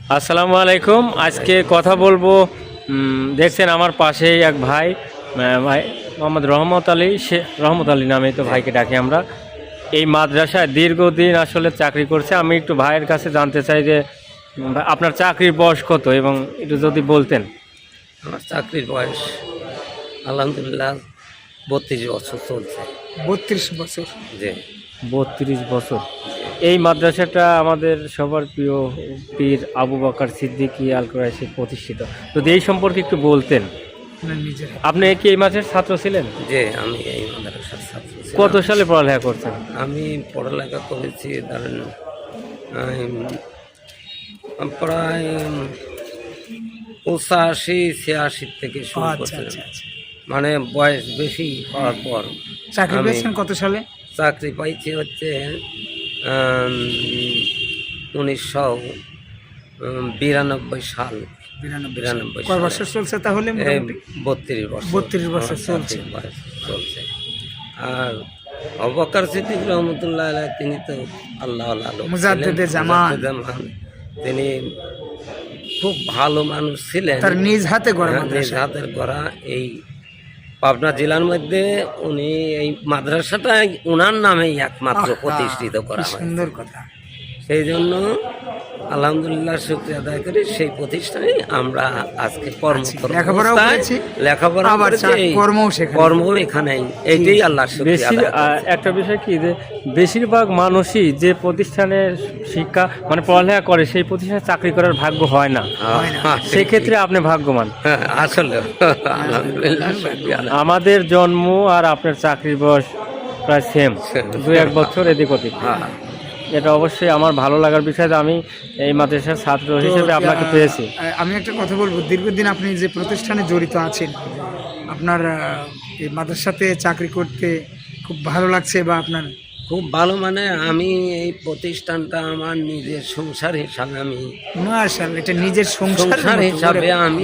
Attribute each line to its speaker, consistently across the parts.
Speaker 1: আসসালামু আলাইকুম। আজকে কথা বলবো, দেখছেন আমার পাশেই এক ভাই, ভাই মোহাম্মদ রহমত আলী নামে তো ভাইকে ডাকি আমরা। এই মাদ্রাসায় দীর্ঘদিন আসলে চাকরি করছে। আমি একটু ভাইয়ের কাছে জানতে চাই যে আপনার চাকরির বয়স কত এবং একটু যদি বলতেন।
Speaker 2: আমার চাকরির বয়স আলহামদুলিল্লাহ 32 বছর চলছে।
Speaker 3: 32 বছর।
Speaker 2: যে
Speaker 1: 32 বছর। এই মাদ্রাসাটা আমাদের সবার প্রিয় পীর আবু বকর সিদ্দিকী আল কুরাইশি প্রতিষ্ঠিত। যদি এই সম্পর্কে একটু বলতেন। আপনি কি এই মাদ্রাসার ছাত্র ছিলেন?
Speaker 2: যে আমি এই মাদ্রাসার ছাত্র ছিলাম।
Speaker 1: কত সালে পড়ালেখা করছেন?
Speaker 2: আমি পড়ালেখা করেছি ধরেন প্রায় 85-86 থেকে শুরু করছিলাম। মানে বয়স বেশি হওয়ার পর।
Speaker 3: চাকরি পেয়েছেন কত সালে?
Speaker 2: চাকরি পাইছি হচ্ছে 1992 সাল। 92
Speaker 3: কয় বছর চলছে তাহলে?
Speaker 2: 32 বছর।
Speaker 3: 32 বছর চলছে।
Speaker 2: আর আবু বকর সিদ্দিক রহমতুল্লাহ আলাইহ তিনি তো আল্লাহ
Speaker 3: মুজাদ্দিদে জামান।
Speaker 2: তিনি খুব ভালো মানুষ ছিলেন।
Speaker 3: তার নিজ হাতে গড়া
Speaker 2: নিজ হাতের গড়া এই পাবনা জেলার মধ্যে উনি এই মাদ্রাসাটা ওনার নামেই একমাত্র প্রতিষ্ঠিত করা হয়।
Speaker 3: সুন্দর কথা।
Speaker 2: সেই জন্য আলহামদুলিল্লাহ শুকরিয়া আদায় করি। সেই প্রতিষ্ঠানে আমরা আজকে লেখাপড়া কর্ম এখানে এইটাই আল্লাহ
Speaker 1: একটা বিষয় কি যে বেশিরভাগ মানুষই যে প্রতিষ্ঠানে শিক্ষা মানে পড়ালেখা করে সেই প্রতিষ্ঠানে চাকরি করার ভাগ্য হয় না। সেক্ষেত্রে আপনি ভাগ্যবান
Speaker 2: আসলে। আলহামদুলিল্লাহ
Speaker 1: আমাদের জন্ম আর আপনার চাকরির বয়স প্রায় সেম, 2-1 বছর এদিক ওদিক। এটা অবশ্যই আমার ভালো লাগার বিষয় যে আমি এই মাদ্রাসার ছাত্র হিসেবে আপনাকে পেয়েছি।
Speaker 3: আমি একটা কথা বলবো, দীর্ঘদিন আপনি যে প্রতিষ্ঠানে জড়িত আছেন, আপনার এই মাদ্রাসাতে চাকরি করতে খুব ভালো লাগছে বা আপনার
Speaker 2: খুব ভালো? মানে আমি এই প্রতিষ্ঠানটা আমার নিজের সংসার হিসাবে আমি
Speaker 3: মাশাআল্লাহ, এটা নিজের সংসার
Speaker 2: হিসাবে আমি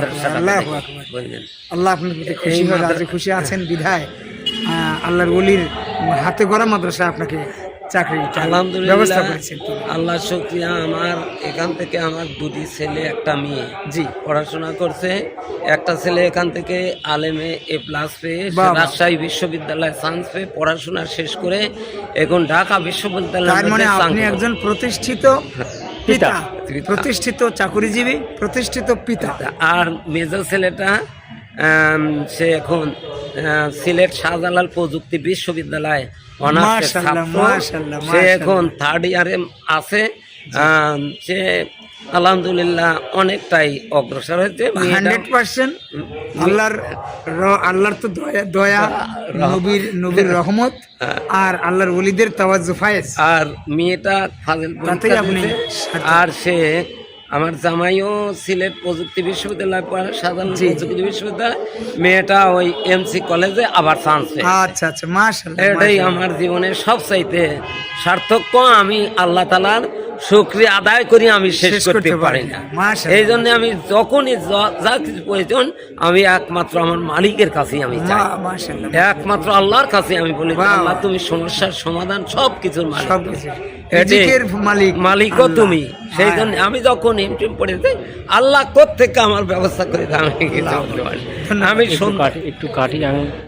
Speaker 3: আল্লাহ আপনার প্রতি খুশি হয়, রাজি খুশি আছেন বিধায় আল্লাহর ওলির হাতে গড়া মাদ্রাসা আপনাকে চাকরি
Speaker 2: আলহামদুলিল্লাহ আল্লাহ শুকরিয়া। আমার এখান থেকে আমার 2টি ছেলে একটা মেয়ে পড়াশোনা করছে। একটা ছেলে এখান থেকে আলেমে A+ পেয়ে রাজশাহী বিশ্ববিদ্যালয়ে চান্স পেয়ে পড়াশোনা শেষ করে এখন ঢাকা বিশ্ববিদ্যালয়ে।
Speaker 3: মানে আপনি একজন প্রতিষ্ঠিত পিতা, প্রতিষ্ঠিত চাকরিজীবী, প্রতিষ্ঠিত পিতা।
Speaker 2: আর মেজর ছেলেটা সে এখন সিলেট শাহজালাল প্রযুক্তি বিশ্ববিদ্যালয়ে সে এখন 3rd ইয়ারে আছে। সে আলহামদুলিল্লাহ অনেকটাই অগ্রসর হয়েছে।
Speaker 3: 100% আল্লাহর তো দয়া, নবীর রহমত আর আল্লাহর ওলিদের তাওয়াজ্জু ফায়েজ।
Speaker 2: আর মেয়েটা ফাজিল আর সে আমার জামাইও সিলেট প্রযুক্তি বিশ্ববিদ্যালয় পড়ে, সাধারণ প্রযুক্তি বিশ্ববিদ্যালয়। মেয়েটা ওই MC কলেজে আবার চান্স পেয়েছে।
Speaker 3: আচ্ছা আচ্ছা, মাশাআল্লাহ।
Speaker 2: এটাই আমার জীবনের সবচাইতে সার্থক। আমি আল্লাহ তাআলার শুকরিয়া আদায় করি, আমি শেষ করতে পারি না। এই জন্য আমি যখনই যা কিছু প্রয়োজন আমি একমাত্র আমার মালিকের কাছেই আমি চাই, একমাত্র আল্লাহর কাছে আমি বলি, আল্লাহ তুমি সমস্যার সমাধান সব কিছুর মালিকও তুমি। সেই জন্য আমি যখন এমটিএম পড়ে যাই আল্লাহ কোত্থেকে আমার ব্যবস্থা করে আমি কিছু বলতে পারি। আমি
Speaker 1: একটু কাটি আমি